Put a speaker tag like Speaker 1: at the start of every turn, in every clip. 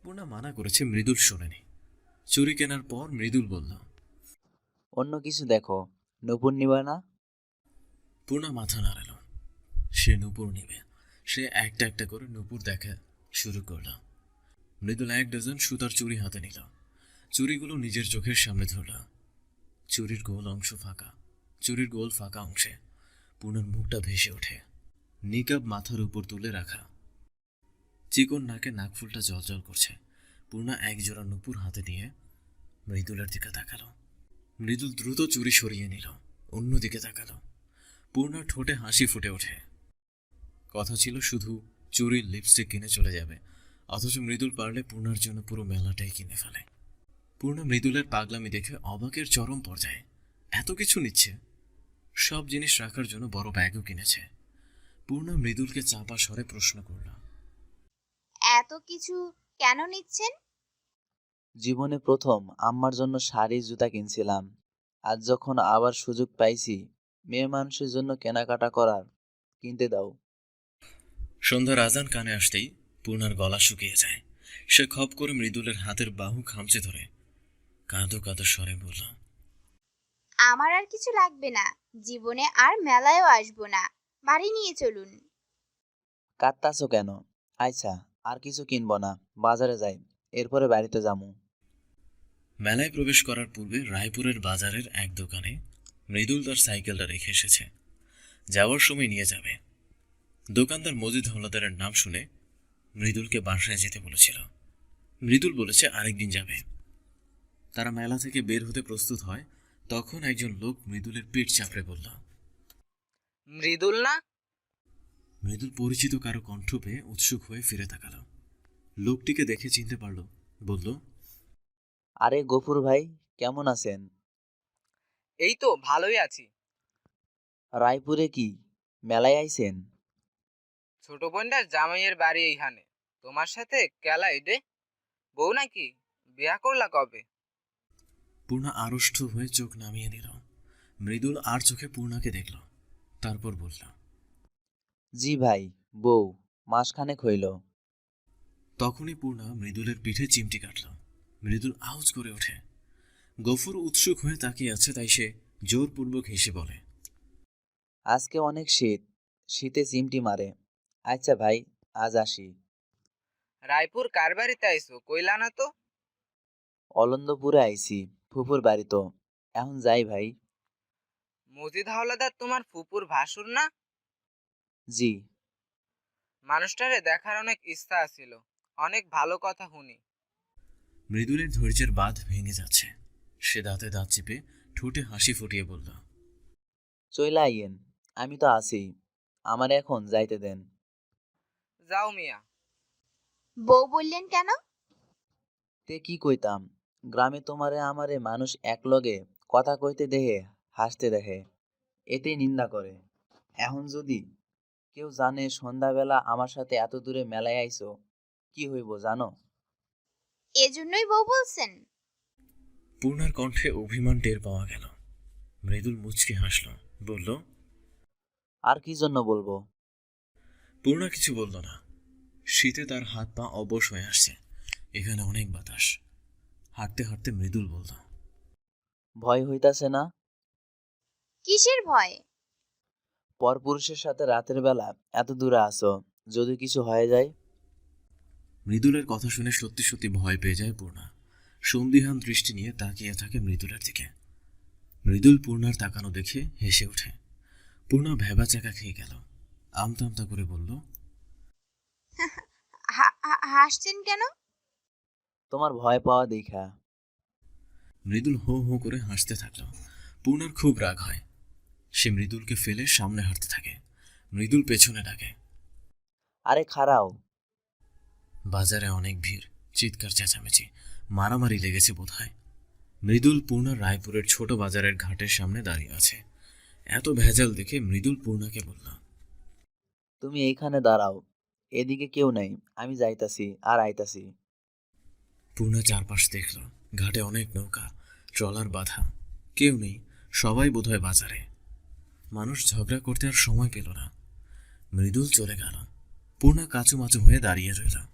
Speaker 1: পূর্ণা মানা করেছে, মৃদুল শোনেনি। চুরি কেনার পর মৃদুল বলল,
Speaker 2: অন্য কিছু দেখো, নূপুর নিবা না?
Speaker 1: পূর্ণা মাথা নাড়াল। সে নূপুর নিবে। সে একটা একটা করে নূপুর দেখা শুরু করল। মৃদুল 1 ডজন সুতার চুড়ি হাতে নিল। চুড়িগুলো নিজের চোখের সামনে ধরল। চুরির গোল অংশ ফাঁকা। চুরির গোল ফাঁকা অংশে পূর্ণার মুখটা ভেসে ওঠে। নিকাব মাথার উপর তুলে রাখা, চিকন নাকে নাকফুলটা জলজল করছে। পূর্ণা একজোড়া নূপুর হাতে নিয়ে মৃদুলের দিকে তাকালো। মৃদুল দ্রুত চুরি সরিয়ে নিল, অন্যদিকে তাকালো। পূর্ণার ঠোঁটে হাসি ফুটে ওঠে। কথা ছিল শুধু চুরির লিপস্টিক কিনে চলে যাবে, অথচ মৃদুল পারলে পূর্ণার জন্য পুরো মেলাটাই কিনে ফেলে। পূর্ণা মৃদুলের পাগলামি দেখে অবাকের চরম পর্যায়ে। এত কিছু নিচ্ছে, সব জিনিস রাখার জন্য বড় ব্যাগও কিনেছে। পূর্ণা মৃদুলকে চাপা স্বরে প্রশ্ন করল,
Speaker 3: এত কিছু কেন নিচ্ছেন?
Speaker 2: জীবনে প্রথম আম্মার জন্য শাড়ি জুতা কিনছিলাম। আজ যখন আবার সুযোগ পাইছি মেয়ে মানুষের জন্য কেনাকাটা করার, কিনতে দাও।
Speaker 1: সন্ধ্যার আজান কানে আসতেই পূর্ণার গলা শুকিয়ে যায়। সে খপ করে মৃদুলের হাতের বাহু খামচে ধরে কাঁদো কাঁদো স্বরে বলল,
Speaker 3: আমার আর কিছু লাগবে না, জীবনে আর মেলায়ও আসবো না, বাড়ি নিয়ে চলুন।
Speaker 2: কাঁদতাছো কেন? আচ্ছা, আর কিছু কিনবো না, বাজারে যাই, এরপরে বাড়িতে যামু।
Speaker 1: মেলায় প্রবেশ করার পূর্বে রায়পুরের বাজারের এক দোকানে মৃদুল তার সাইকেলটা রেখে এসেছে। যাওয়ার সময় নিয়ে যাবে। দোকানদার মজিদ হাওলাদারের নাম শুনে মৃদুলকে বাসায় যেতে বলেছিল। মৃদুল বলেছে আরেকদিন যাবে। তারা মেলা থেকে বের হতে প্রস্তুত হয়, তখন একজন লোক মৃদুলের পিঠ চাপড়ে বলল,
Speaker 4: মৃদুল না?
Speaker 1: মৃদুল পরিচিত কারো কণ্ঠ পেয়ে উৎসুক হয়ে ফিরে তাকালো। লোকটিকে দেখে চিনতে পারল। বলল,
Speaker 2: আরে গফুর ভাই, কেমন আছেন?
Speaker 4: এই তো ভালোই আছি।
Speaker 2: রায়পুরে কি মেলায় আইছেন?
Speaker 4: ছোট বোনটার জামাইয়ের বাড়ি এইখানে। তোমার সাথে কেলাই রে? বউ নাকি? বিয়া করলা কবে?
Speaker 1: পূর্ণা আড়ষ্ট হয়ে চোখ নামিয়ে নিল। মৃদুল আর চোখে পূর্ণাকে দেখল, তারপর বলল,
Speaker 2: জি ভাই, বউ মাসখানেক হইল।
Speaker 1: তখনই পূর্ণা মৃদুলের পিঠে চিমটি কাটল। মৃদুল আউজ করে ওঠে। গফুর উৎসুক হয়ে তাকিয়ে আছে, তাই সে জোরপূর্বক হেসে বলে,
Speaker 2: আজকে অনেক শীত, শীতে চিমটি মারে। আচ্ছা ভাই, আজ আসি।
Speaker 4: রায়পুর কার বাড়িতে আইসো কইলা না তো?
Speaker 2: অলন্দপুরে আইছি, ফুফুর বাড়ি তো। এখন যাই ভাই।
Speaker 4: মজিদ হাওলাদার তোমার ফুপুর ভাসুর না?
Speaker 2: জি।
Speaker 4: মানুষটারে দেখার অনেক ইচ্ছা ছিল, অনেক ভালো কথা শুনি।
Speaker 1: মৃদুলের ধৈর্যের বাঁধ ভেঙে যাচ্ছে। সে দাঁতে দাঁত চেপে ঠোঁটে হাসি ফুটিয়ে বলল,
Speaker 2: চইলা আইয়েন, আমি তো আছি, আমার এখন যাইতে দেন।
Speaker 4: যাও মিয়া।
Speaker 3: বউ বললেন কেন?
Speaker 2: তে কি কইতাম, গ্রামে তোমারে আমারে মানুষ একলগে কথা কইতে দেহে, হাসতে দেখে, এতেই নিন্দা করে। এখন যদি কেউ জানে সন্ধ্যাবেলা আমার সাথে এত দূরে মেলায় আইছো, কি হইব জানো?
Speaker 3: এজন্যই বউ বলছেন?
Speaker 1: পূর্ণার কণ্ঠে অভিমান টের পাওয়া গেল। মৃদুল মুচকি হাসল, বলল,
Speaker 2: আর কি জন্য বলবো?
Speaker 1: পূর্ণা কিছু বলল না। শীতে তার হাত পা অবশ হয়ে আসছে। এখানে অনেক বাতাস। হাঁটতে হাঁটতে মৃদুল বলল,
Speaker 2: ভয় হইতাছে না?
Speaker 3: কিসের ভয়?
Speaker 2: পরপুরুষের সাথে রাতের বেলা এত দূরে আসো, যদি কিছু হয়ে যায়?
Speaker 1: মৃদুলের কথা শুনে সত্যি সত্যি ভয় পেয়ে যায় পূর্ণা। সন্দিহান দৃষ্টি নিয়ে তাকিয়ে থাকে মৃদুলের দিকে। মৃদুল পূর্ণার তাকানো দেখে হেসে ওঠে। পূর্ণা ভ্যাবাচাকা খেয়ে গেল। আমতা আমতা করে বলল,
Speaker 3: হাসছেন কেন?
Speaker 2: তোমার ভয় পাওয়া দেখা।
Speaker 1: মৃদুল হো হো করে হাসতে থাকল। পূর্ণার খুব রাগ হয়। সে মৃদুলকে ফেলে সামনে হাঁটতে থাকে। মৃদুল পেছনে ডাকে,
Speaker 2: আরে খাড়াও।
Speaker 1: বাজারে অনেক ভিড়, চিৎকার চেঁচামেচি, মারামারি লেগেছে বোধহয়। মৃদুল পূর্ণা রায়পুরের ছোট বাজারের ঘাটের সামনে দাঁড়িয়ে আছে। এত ভেজাল দেখে মৃদুল পূর্ণাকে বলল,
Speaker 2: তুমি এইখানে দাঁড়াও, এদিকে কেউ নাই, আমি যাইতাছি আর আইতাছি।
Speaker 1: পূর্ণা চারপাশ দেখল। ঘাটে অনেক নৌকা, ট্রলার বাঁধা। কেউ নেই, সবাই বোধহয় বাজারে। মানুষ ঝগড়া করতে আর সময় পেল না। মৃদুল চলে গেল। পূর্ণা কাচুমাচু হয়ে দাঁড়িয়ে রইল।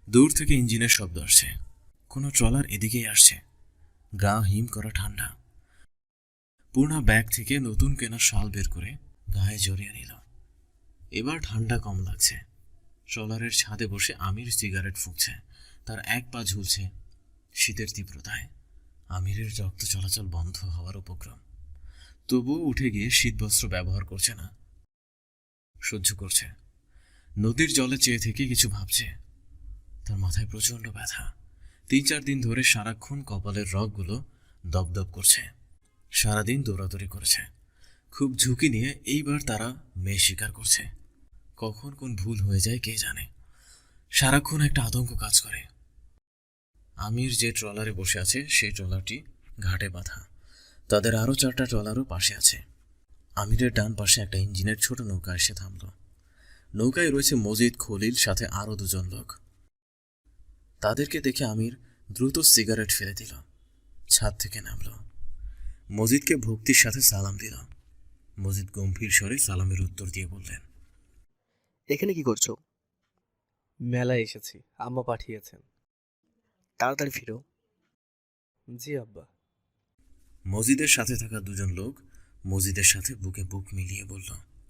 Speaker 1: দূর থেকে ইঞ্জিনের শব্দ আসছে। কোনো ট্রলার এদিকেই আসছে। গা হিম করা ঠান্ডা। পূর্ণা ব্যাগ থেকে নতুন কেনা শাল বের করে গায়ে জড়িয়ে নিল। এবার ঠান্ডা কম লাগছে। ট্রলারের ছাদে বসে আমির সিগারেট ফুঁকছে। তার এক পা ঝুলছে শীতের তীব্রতায়। আমিরের রক্ত চলাচল বন্ধ হওয়ার উপক্রম। তবুও উঠে গিয়ে শীতবস্ত্র ব্যবহার করছে না, সহ্য করছে। নদীর জলে চেয়ে থেকে কিছু ভাবছে। তার মাথায় প্রচণ্ড ব্যথা। 3-4 দিন ধরে সারাক্ষণ কপালের রগগুলো দপদপ করছে। সারাদিন দৌড়াদৌড়ি করেছে। খুব ঝুঁকি নিয়ে এইবার তারা মেয়ে শিকার করছে। কখন কোন ভুল হয়ে যায় কে জানে। সারাক্ষণ একটা আতঙ্ক কাজ করে। আমির যে ট্রলারে বসে আছে সেই ট্রলারটি ঘাটে বাঁধা। তাদের আরও 4টা ট্রলারও পাশে আছে। আমিরের ডান পাশে একটা ইঞ্জিনের ছোট নৌকা এসে থামল। নৌকায় রয়েছে মজিদ, খলিল, সাথে আরও 2জন লোক। তাদেরকে দেখে আমির দ্রুত সিগারেট ফেলে দিল। ছাদ থেকে নামল। মজিদকে ভক্তির সাথে সালাম দিল। মজিদ গম্ভীর স্বরে সালামের উত্তর দিয়ে বললেন,
Speaker 5: এখানে কি করছো?
Speaker 6: মেলায় এসেছি, আম্মা পাঠিয়েছেন।
Speaker 5: তাড়াতাড়ি ফিরো।
Speaker 6: জি আব্বা।
Speaker 1: মজিদের সাথে থাকা 2জন লোক মজিদের সাথে বুকে বুক মিলিয়ে বলল,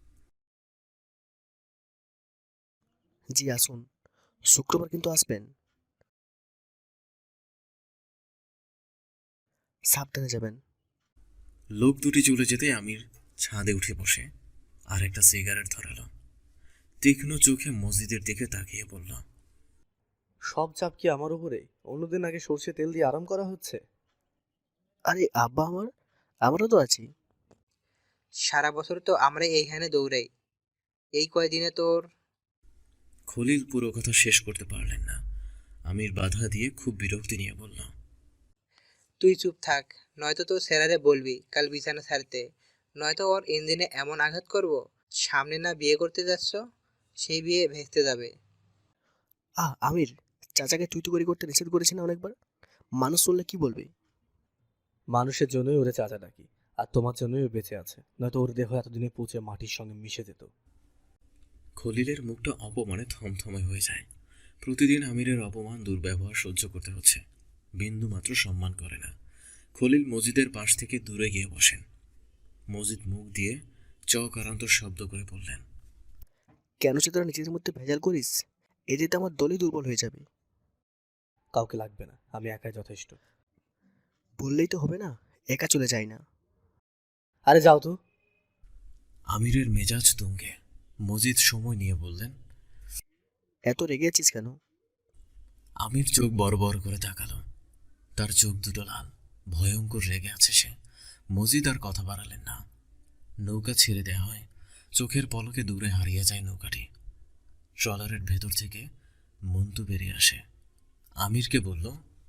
Speaker 5: জি আসুন, শুক্রবার কিন্তু আসবেন। সাবধানে যাবেন।
Speaker 1: লোক দুটি চলে যেতে আমির ছাদে উঠে বসে আর একটা সিগারেট ধরালো। তীক্ষ্ণ চোখে মসজিদের দিকে তাকিয়ে বলল,
Speaker 6: সব চাপ কি আমার উপরে? অন্যদিন আগে সর্ষে তেল দিয়ে আরাম করা হচ্ছে।
Speaker 5: আরে আব্বা আমারও তো আছি।
Speaker 4: সারা বছর তো আমরা এইখানে দৌড়াই, এই কয়দিনে তোর।
Speaker 1: খলিল পুরো কথা শেষ করতে পারলেন না। আমির বাধা দিয়ে খুব বিরক্তি নিয়ে বলল,
Speaker 4: তুই চুপ থাক, নয়তো তোর স্যারারে বলবি কাল বিছানা ছাড়তে, নয়তো ওর ইঞ্জিনে এমন আঘাত করব, সামনে না বিয়ে করতে যাচ্ছ সেই বিয়ে ভেস্তে যাবে।
Speaker 5: আমির, চাচাকে তুই তো করতে নিষেধ করেছি না অনেকবার? মানুষ শুনলে কি বলবে?
Speaker 6: মানুষের জন্যই ওরে চাচা ডাকি, আর তোমার জন্যই ও বেঁচে আছে, নয়তো ওর দেহ এতদিনে পচে মাটির সঙ্গে মিশে যেত।
Speaker 1: খলিলের মুখটা অপমানে থমথমে হয়ে যায়। প্রতিদিন আমিরের অপমান, দুর্ব্যবহার সহ্য করতে হচ্ছে। বিন্দুমাত্র সম্মান করে না। খলিল মসজিদের পাশ থেকে দূরে গিয়ে বসেন। মসজিদ মুখ দিয়ে চকারান্ত শব্দ করে বললেন,
Speaker 5: কেন সে তোরা নিজেদের মধ্যে ভেজাল করিস? এতে আমার দলই দুর্বল হয়ে যাবে।
Speaker 6: কাউকে লাগবে না, আমি একাই যথেষ্ট।
Speaker 5: বললেই তো হবে না, একা চলে যায় না।
Speaker 6: আরে যাও তো।
Speaker 1: আমিরের মেজাজ তুঙ্গে। মজিদ সময় নিয়ে বললেন,
Speaker 5: এত রেগে আছিস কেন?
Speaker 1: আমির চোখ বড় বড় করে তাকালো। তার চোখ দুটো লাল, ভয়ঙ্কর রেগে আছে সে। মজিদ আর কথা বাড়ালেন না। নৌকা ছেড়ে দেওয়া হয়। চোখের পলকে দূরে হারিয়ে যায় নৌকাটি। ট্রলারের ভেতর থেকে মন্তু বেরিয়ে আসে। আমিরকে বলল,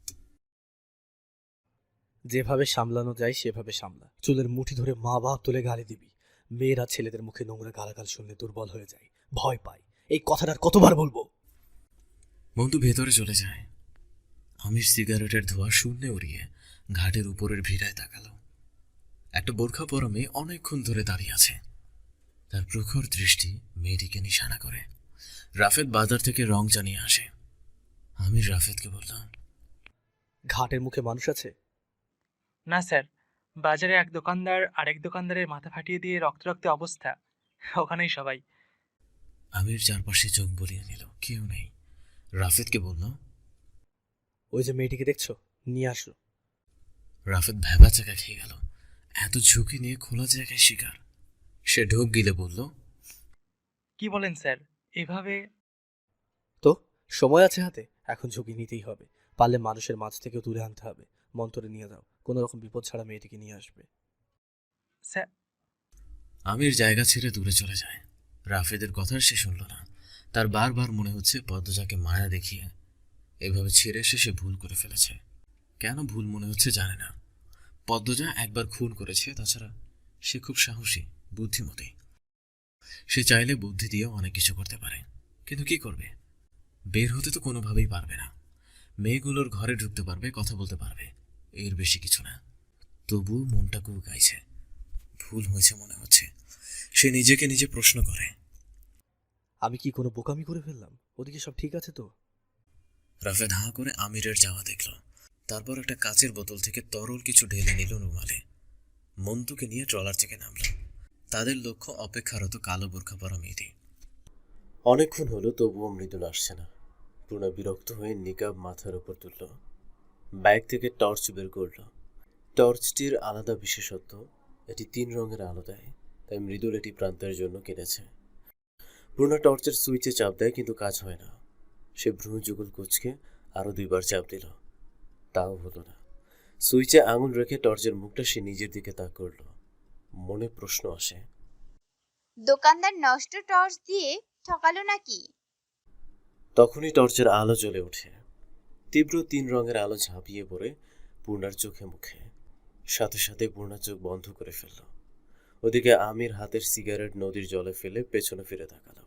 Speaker 6: যেভাবে সামলানো যায় সেভাবে সামলা। চুলের মুঠি ধরে মা বাপ তুলে গালি দিবি। মেয়েরা ছেলেদের মুখে নোংরা গালাগাল শুনলে দুর্বল হয়ে যায়, ভয় পায়। এই কথাটার কতবার বলবো?
Speaker 1: মন্তু ভেতরে চলে যায়। আমির সিগারেটের ধোঁয়া শূন্যে উড়িয়ে ঘাটের উপরের ভিড়ায় তাকালো। একটা বোরখা পরা মেয়ে অনেকক্ষণ ধরে দাঁড়িয়ে আছে। তার প্রখর দৃষ্টি মেয়েটিকে নিশানা করে। রাফেদ বাজার থেকে রং জানিয়ে আসে। আমির রাফেদকে বললাম,
Speaker 6: ঘাটের মুখে মানুষ আছে?
Speaker 7: না স্যার, বাজারে এক দোকানদার আরেক দোকানদারের মাথা ফাটিয়ে দিয়ে রক্তে রক্তে অবস্থা, ওখানেই সবাই।
Speaker 1: আমির চারপাশে চোখ বুলিয়ে নিল, কেউ নেই। রাফেদকে বলল,
Speaker 6: ওই যে মেয়েটিকে দেখছো, নিয়ে আসো।
Speaker 1: রাফেদ ভেবা চাকা খেয়ে গেল। এত ঝুঁকি নিয়ে খোলা জায়গায় শিকার। সে ঢোক গিলে বলল,
Speaker 7: কি বলেন স্যার এভাবে?
Speaker 6: তো সময় আছে হাতে, এখন ঝুঁকি নিতেই হবে। পারলে মানুষের মাঝ থেকে দূরে আনতে হবে। মন্তরে নিয়ে যাও, কোনো রকম বিপদ ছাড়া মেয়েটিকে নিয়ে আসবে।
Speaker 7: স্যার,
Speaker 1: আমির জায়গা ছেড়ে দূরে চলে যায়। রাফেদের কথা সে শুনল না। তার বারবার মনে হচ্ছে পদ্মজাকে মায়া দেখিয়ে এভাবে ছেড়ে এসে সে ভুল করে ফেলেছে। কেন ভুল মনে হচ্ছে জানে না। পদ্মজা একবার খুন করেছে, তাছাড়া সে খুব সাহসী, বুদ্ধিমতী। সে চাইলে বুদ্ধি দিয়ে অনেক কিছু করতে পারে, কিন্তু কি করবে? বের হতে তো কোনোভাবেই পারবে না। মেয়েগুলোর ঘরে ঢুকতে পারবে, কথা বলতে পারবে, এর বেশি কিছু না। তবুও মনটা কুকাইছে। ভুল হয়েছে মনে হচ্ছে। সে নিজেকে নিজে প্রশ্ন করে,
Speaker 6: আমি কি কোনো বোকামি করে ফেললাম? ওদিকে সব ঠিক আছে তো?
Speaker 1: রাফেদ হাঁ করে আমিরের যাওয়া দেখল। তারপর একটা কাচের বোতল থেকে তরল কিছু ঢেলে নিল রুমালে। মন্তুকে নিয়ে ট্রলার থেকে নামল। তাদের লক্ষ্য অপেক্ষারত কালো বোরখা পরা মেয়েটি। অনেকক্ষণ হলো তবুও মৃদুল আসছে না। পূর্ণা বিরক্ত হয়ে নিকাব মাথার উপর তুলল। ব্যাগ থেকে টর্চ বের করল। টর্চটির আলাদা বিশেষত্ব, এটি 3 রঙের আলো দেয়, তাই মৃদুল এটি প্রান্তের জন্য কিনেছে। পূর্ণা টর্চের সুইচে চাপ দেয়, কিন্তু কাজ হয় না। সে ভ্রু যুগল কুচকে আরো 2বার চাপ দিল, তাও হলো না। সুইচে আঙুল রেখে টর্চের মুখটা সে নিজের দিকে তাক করল। মনে প্রশ্ন আসে,
Speaker 3: দোকানদার নষ্ট টর্চ দিয়ে ঠকালো নাকি?
Speaker 1: তখনই টর্চের আলো জ্বলে ওঠে। তীব্র 3 রঙের আলো ঝাঁপিয়ে পড়ে পূর্ণার চোখে মুখে। সাথে সাথে পূর্ণা চোখ বন্ধ করে ফেলল। ওদিকে আমির হাতের সিগারেট নদীর জলে ফেলে পেছনে ফিরে তাকালো,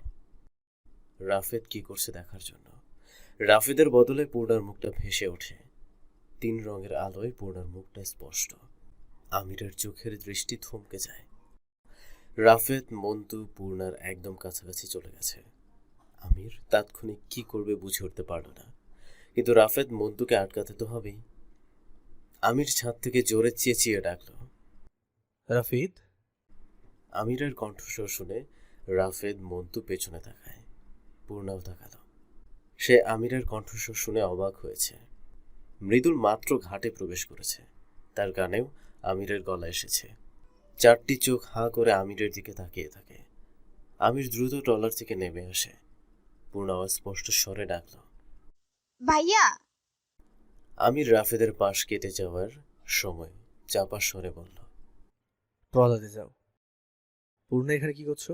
Speaker 1: রাফেদ কি করছে দেখার জন্য। রাফেদের বদলে পূর্ণার মুখটা ভেসে ওঠে। 3 রঙের আলোয় পূর্ণার মুখটা স্পষ্ট। আমিরের চোখের দৃষ্টি থমকে যায়। রাফেদ মন্তু পূর্ণার একদম কাছাকাছি চলে গেছে। আমির তাৎক্ষণিক কি করবে বুঝে উঠতে পারল না, কিন্তু রাফেদ মন্তুকে আটকাতে তো হবেই। আমির ছাদ থেকে জোরে চেঁচিয়ে ডাকল।
Speaker 6: রাফিদ,
Speaker 1: আমিরের কণ্ঠস্বর শুনে রাফেদ মন্তু পেছনে তাকায়। পূর্ণাও তাকালো। সে আমিরের কণ্ঠস্বর শুনে অবাক হয়েছে। মৃদুল মাত্র ঘাটে প্রবেশ করেছে, তার গানেও আমিরের গলা এসেছে। 4টি চোখ হাঁ করে আমিরের দিকে তাকিয়ে থাকে। আমির দ্রুত ট্রলার থেকে নেমে আসে। পূর্ণা স্পষ্ট স্বরে ডাকল।
Speaker 3: ভাইয়া,
Speaker 1: আমির রাফেদের পাশ কেটে যাওয়ার সময় চাপা স্বরে বলল,
Speaker 6: ট্রলারে যাও। পূর্ণা এখানে কি করছো?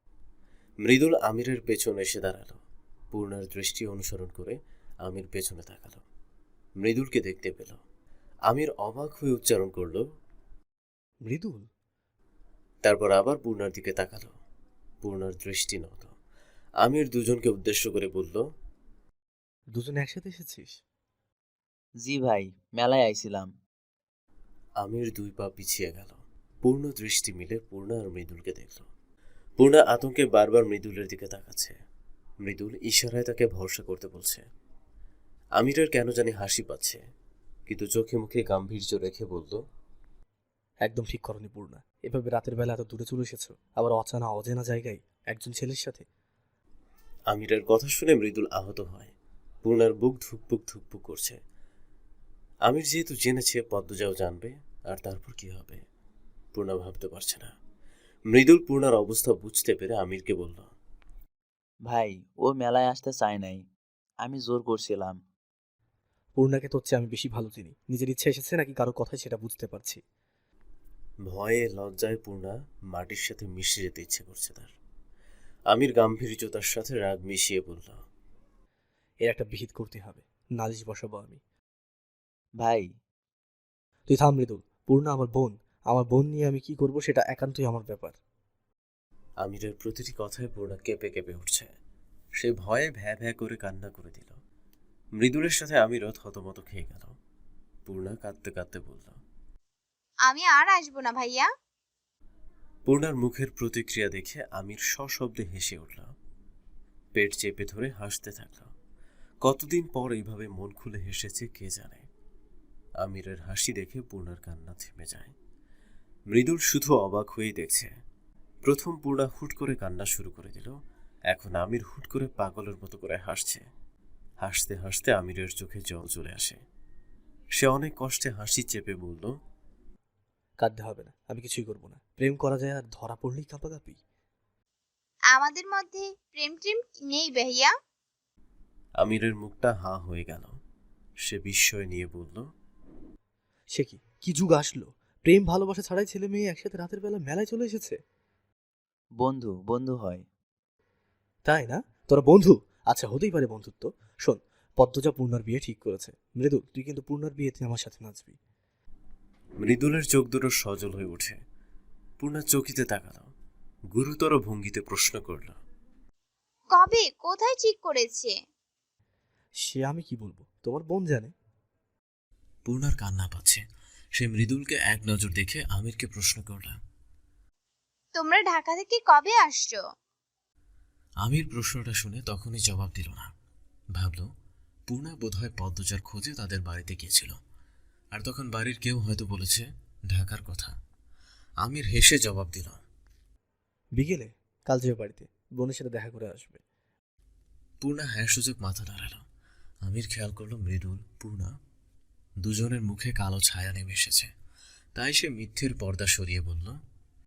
Speaker 1: মৃদুল আমিরের পেছনে এসে দাঁড়ালো। পূর্ণার দৃষ্টি অনুসরণ করে আমির পেছনে তাকালো। মৃদুলকে দেখতে পেল। আমির অবাক হয়ে উচ্চারণ করল,
Speaker 6: মৃদুল?
Speaker 1: তারপর আবার পূর্ণার দিকে তাকালো। পূর্ণার দৃষ্টি নত। আমির দুজনকে উদ্দেশ্য করে বলল,
Speaker 6: দুজনে একসাথে এসেছিস?
Speaker 2: জি ভাই, মেলায় আইছিলাম।
Speaker 1: আমির 2 পা পিছিয়ে গেল। পূর্ণ দৃষ্টি মিলে পূর্ণা আর মৃদুলকে দেখল। পূর্ণা আতঙ্কে বারবার মৃদুলের দিকে তাকাচ্ছে। মৃদুল ইশারায় তাকে ভরসা করতে বলছে। আমিরের কেন জানি হাসি পাচ্ছে, কিন্তু চোখে মুখে গাম্ভীর্য রেখে বলল,
Speaker 6: একদম ঠিক করনি পূর্ণা। এভাবে রাতের বেলা এত দূরে চলে এসেছো, আবার অজানা অজানা জায়গায় একজন ছেলের সাথে।
Speaker 1: আমিরের কথা শুনে মৃদুল আহত হয়। পূর্ণার বুক ধুকপুক ধুকপুক করছে। আমির যেহেতু জেনেছে পদ্মজাও জানবে, আর তারপর কি হবে পূর্ণা ভাবতে পারছে না। মৃদুল পূর্ণার অবস্থা বুঝতে পেরে আমিরকে বলল,
Speaker 2: ভাই, ও মেলায় আসতে চায় নাই, আমি জোর করছিলাম।
Speaker 6: পূর্ণাকে তোর চেয়ে আমি বেশি ভালো চিনি। নিজের ইচ্ছে এসেছে নাকি কারো কথায় সেটা বুঝতে পারছি।
Speaker 1: ভয়ে লজ্জায় পূর্ণা মাটির সাথে মিশে যেতে ইচ্ছে করছে তার। আমির গাম্ভীর্যতার সাথে রাগ মিশিয়ে বলল,
Speaker 6: এর একটা বিহিত করতে হবে, নালিশ বসাবো আমি।
Speaker 2: ভাই,
Speaker 6: তুই থাম মৃদুল। পূর্ণা আমার বোন। আমার বোন নিয়ে আমি কি করব সেটা একান্তই আমার ব্যাপার।
Speaker 1: আমিরের প্রতিটি কথায় পূর্ণা কেঁপে কেঁপে উঠছে। সে ভয়ে ভ্যা ভ্যা করে কান্না করে দিল। মৃদুলের সাথে আমিরও থতমত খেয়ে গেল। পূর্ণা কাঁদতে কাঁদতে বলল,
Speaker 3: আমি আর আসবো না ভাইয়া।
Speaker 1: পূর্ণার মুখের প্রতিক্রিয়া দেখে আমির সশব্দে হেসে উঠল। পেট চেপে ধরে হাসতে থাকল। কতদিন পর এইভাবে মন খুলে হেসেছে কে জানে। আমিরের হাসি দেখে পূর্ণার কান্না থেমে যায়। মৃদুল শুধু অবাক হয়েই দেখছে। প্রথম পূর্ণা হুট করে কান্না শুরু করে দিল, এখন আমির হুট করে পাগলের মতো করে হাসছে। হাসতে হাসতে আমিরের চোখে জল চলে আসে। সে অনেক কষ্টে হাসি চেপে বলল,
Speaker 6: কাঁদতে হবে না, আমি কিছুই করব না। প্রেম করা যায় আর ধরা পড়লেই কাঁপাকাঁপি।
Speaker 3: আমাদের মধ্যে প্রেম টেম নেই ভাইয়া।
Speaker 1: আমিরের মুখটা হাঁ হয়ে গেল। সে বিস্ময় নিয়ে বলল,
Speaker 6: সে কি কি যুগ আসলো! প্রেম ভালোবাসা ছাড়াই ছেলে মেয়ে একসাথে রাতের বেলা মেলায় চলে এসেছে।
Speaker 2: বন্ধু বন্ধু হয়।
Speaker 6: তাই না? তোরা বন্ধু? আচ্ছা, হতেই পারে বন্ধুত্ব। শোন, পদ্মজা পূর্ণার বিয়ে ঠিক করেছে। মৃদুল, তুই কিন্তু পূর্ণার বিয়েতে আমার সাথে নাচবি।
Speaker 1: মৃদুলের চোখ দুটো সজল হয়ে ওঠে। পূর্ণা চকিতে তাকাল। গুরুতর ভঙ্গিতে প্রশ্ন করল,
Speaker 3: কবে, কোথায় ঠিক করেছে?
Speaker 6: সে আমি কি বলবো, তোমার বোন জানে।
Speaker 1: পূর্ণার কান্না পাচ্ছে। সে মৃদুলকে এক নজর দেখে আমিরকে প্রশ্ন করল,
Speaker 3: তোমরা ঢাকা থেকে কবে আসছো?
Speaker 1: আমির প্রশ্নটা শুনে তখনই জবাব দিল না। ভাবল পূর্ণা বোধহয় পদ্মজার খোঁজে তাদের বাড়িতে গিয়েছিল, আর তখন বাড়ির কেউ হয়তো বলেছে ঢাকার কথা। আমির হেসে জবাব দিল,
Speaker 6: বিকেলে কাল যেও বাড়িতে, বোনের সাথে দেখা করে আসবে।
Speaker 1: পূর্ণা হ্যাঁ সূচক মাথা নাড়াল। আমির খেয়াল করলো মৃদুল, পূর্ণা দুজনের মুখে কালো ছায়া নেমে এসেছে। তাই সে মিথ্যের পর্দা সরিয়ে বলল,